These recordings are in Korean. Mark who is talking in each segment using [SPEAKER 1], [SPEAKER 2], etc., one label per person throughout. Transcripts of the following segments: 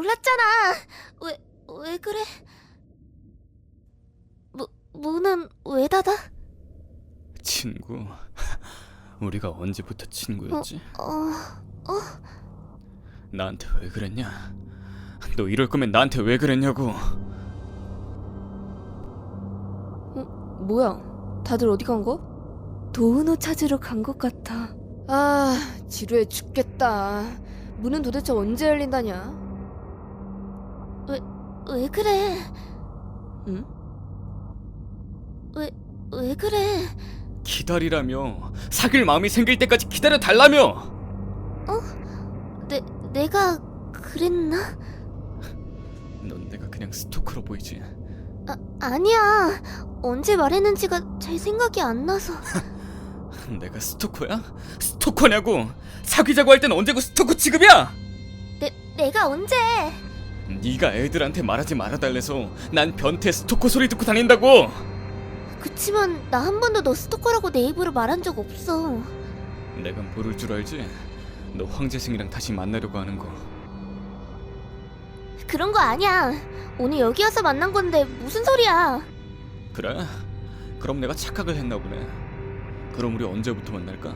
[SPEAKER 1] 놀랐잖아. 왜 그래? 문은 왜 닫아?
[SPEAKER 2] 친구, 우리가 언제부터 친구였지? 나한테 왜 그랬냐? 너 이럴 거면 나한테 왜 그랬냐고.
[SPEAKER 3] 뭐야? 다들 어디 간 거? 도은호 찾으러 간 것 같아. 아, 지루해 죽겠다. 문은 도대체 언제 열린다냐?
[SPEAKER 1] 왜 그래?
[SPEAKER 3] 응?
[SPEAKER 1] 왜 그래?
[SPEAKER 2] 기다리라며. 사귈 마음이 생길 때까지 기다려 달라며.
[SPEAKER 1] 내가 그랬나?
[SPEAKER 2] 넌 내가 그냥 스토커로 보이지?
[SPEAKER 1] 아니야. 언제 말했는지가 잘 생각이 안 나서.
[SPEAKER 2] 내가 스토커야? 스토커냐고. 사귀자고 할 땐 언제고 스토커 취급이야?
[SPEAKER 1] 내가 언제?
[SPEAKER 2] 네가 애들한테 말하지 말아달래서 난 변태 스토커 소리 듣고 다닌다고.
[SPEAKER 1] 그치만 나 한 번도 너 스토커라고 내 입으로 말한 적 없어.
[SPEAKER 2] 내가 모를 줄 알지? 너 황재승이랑 다시 만나려고 하는 거.
[SPEAKER 1] 그런 거 아니야. 오늘 여기 와서 만난 건데 무슨 소리야?
[SPEAKER 2] 그래? 그럼 내가 착각을 했나 보네. 그럼 우리 언제부터 만날까?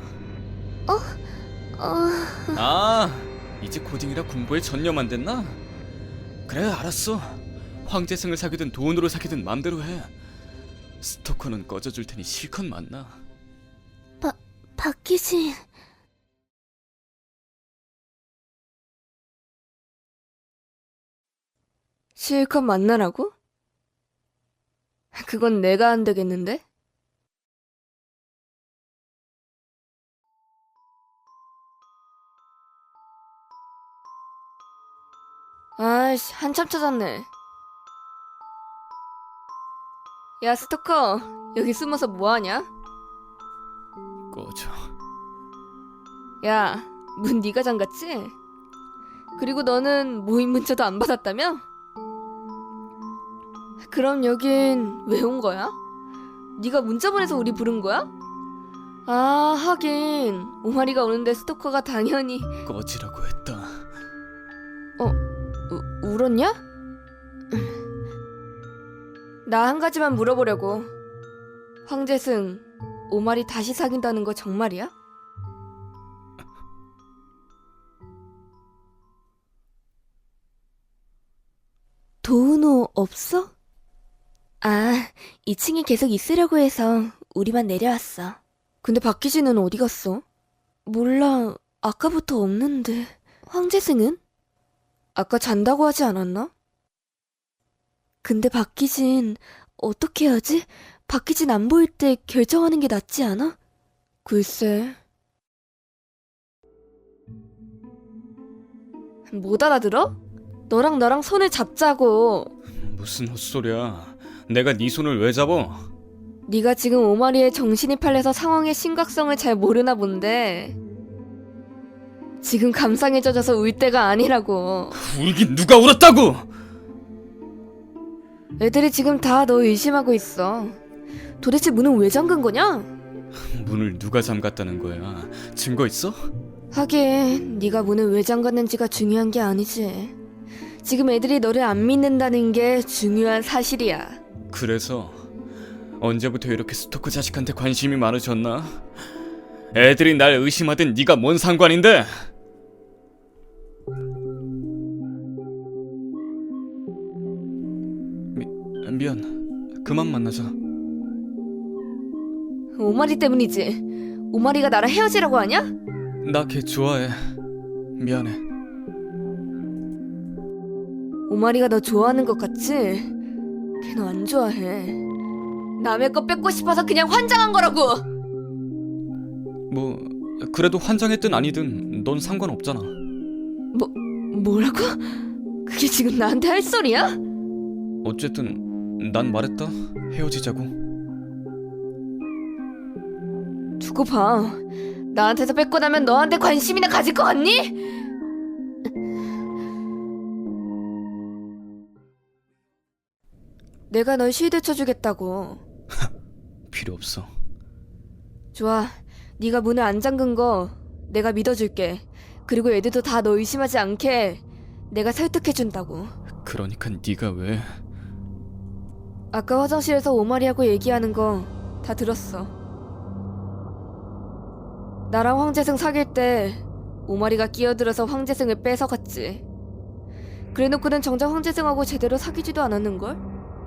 [SPEAKER 2] 아, 이제 고딩이라 공부에 전념 됐나? 그래, 알았어. 황재승을 사귀든 돈으로 사귀든 맘대로 해. 스토커는 꺼져줄 테니 실컷 만나.
[SPEAKER 1] 박희진.
[SPEAKER 3] 실컷 만나라고? 그건 내가 안 되겠는데? 아이씨, 한참 찾았네. 야, 스토커, 여기 숨어서 뭐하냐?
[SPEAKER 2] 꺼져.
[SPEAKER 3] 야, 문 네가 잠갔지? 그리고 너는 모임 문자도 안 받았다며? 그럼 여긴 왜 온 거야? 네가 문자 보내서 우리 부른 거야? 아, 하긴 오마리가 오는데 스토커가 당연히.
[SPEAKER 2] 꺼지라고 했다.
[SPEAKER 3] 울었냐? 나 한 가지만 물어보려고. 황재승, 오마리 다시 사귄다는 거 정말이야?
[SPEAKER 1] 도은호 없어? 아, 2층에 계속 있으려고 해서 우리만 내려왔어.
[SPEAKER 3] 근데 박희진은 어디 갔어?
[SPEAKER 1] 몰라, 아까부터 없는데. 황재승은?
[SPEAKER 3] 아까 잔다고 하지 않았나?
[SPEAKER 1] 근데 박희진 어떻게 하지? 박희진 안 보일 때 결정하는 게 낫지 않아?
[SPEAKER 3] 글쎄. 못 알아들어? 너랑 나랑 손을 잡자고.
[SPEAKER 2] 무슨 헛소리야. 내가 네 손을 왜 잡아?
[SPEAKER 3] 네가 지금 오마리에 정신이 팔려서 상황의 심각성을 잘 모르나 본데 지금 감상에 젖어서 울 때가 아니라고.
[SPEAKER 2] 울긴 누가 울었다고!
[SPEAKER 3] 애들이 지금 다 너 의심하고 있어. 도대체 문은 왜 잠근 거냐?
[SPEAKER 2] 문을 누가 잠갔다는 거야? 증거 있어?
[SPEAKER 3] 하긴 네가 문을 왜 잠갔는지가 중요한 게 아니지. 지금 애들이 너를 안 믿는다는 게 중요한 사실이야.
[SPEAKER 2] 그래서 언제부터 이렇게 스토커 자식한테 관심이 많으셨나? 애들이 날 의심하든 네가 뭔 상관인데? 미안. 그만 만나자.
[SPEAKER 3] 오마리 때문이지. 오마리가 나랑 헤어지라고 하냐?
[SPEAKER 2] 나 걔 좋아해. 미안해.
[SPEAKER 3] 오마리가 너 좋아하는 것 같지? 걔 너 안 좋아해. 남의 거 뺏고 싶어서 그냥 환장한 거라고.
[SPEAKER 2] 뭐 그래도 환장했든 아니든 넌 상관없잖아.
[SPEAKER 3] 뭐라고? 그게 지금 나한테 할 소리야?
[SPEAKER 2] 어쨌든 난 말했다. 헤어지자고.
[SPEAKER 3] 두고 봐. 나한테서 뺏고 나면 너한테 관심이나 가질 것 같니? 내가 널 시대 쳐주겠다고.
[SPEAKER 2] 필요 없어.
[SPEAKER 3] 좋아. 네가 문을 안 잠근 거 내가 믿어줄게. 그리고 애들도 다 너 의심하지 않게 내가 설득해준다고.
[SPEAKER 2] 그러니까 네가 왜...
[SPEAKER 3] 아까 화장실에서 오마리하고 얘기하는 거 다 들었어. 나랑 황재승 사귈 때 오마리가 끼어들어서 황재승을 뺏어갔지. 그래놓고는 정작 황재승하고 제대로 사귀지도 않았는걸?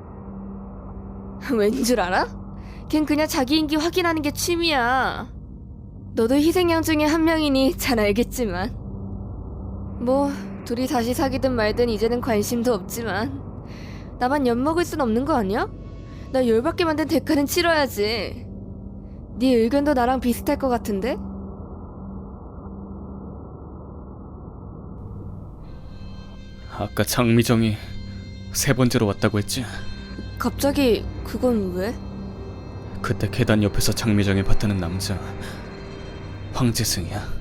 [SPEAKER 3] 왠 줄 알아? 걘 그냥 자기 인기 확인하는 게 취미야. 너도 희생양 중에 한 명이니 잘 알겠지만. 뭐 둘이 다시 사귀든 말든 이제는 관심도 없지만 나만 엿먹을 순 없는 거 아니야? 나 열받게 만든 대가는 치러야지. 네 의견도 나랑 비슷할 것 같은데?
[SPEAKER 2] 아까 장미정이 3번째로 왔다고 했지?
[SPEAKER 3] 갑자기 그건 왜?
[SPEAKER 2] 그때 계단 옆에서 장미정이 봤다는 남자 황재승이야.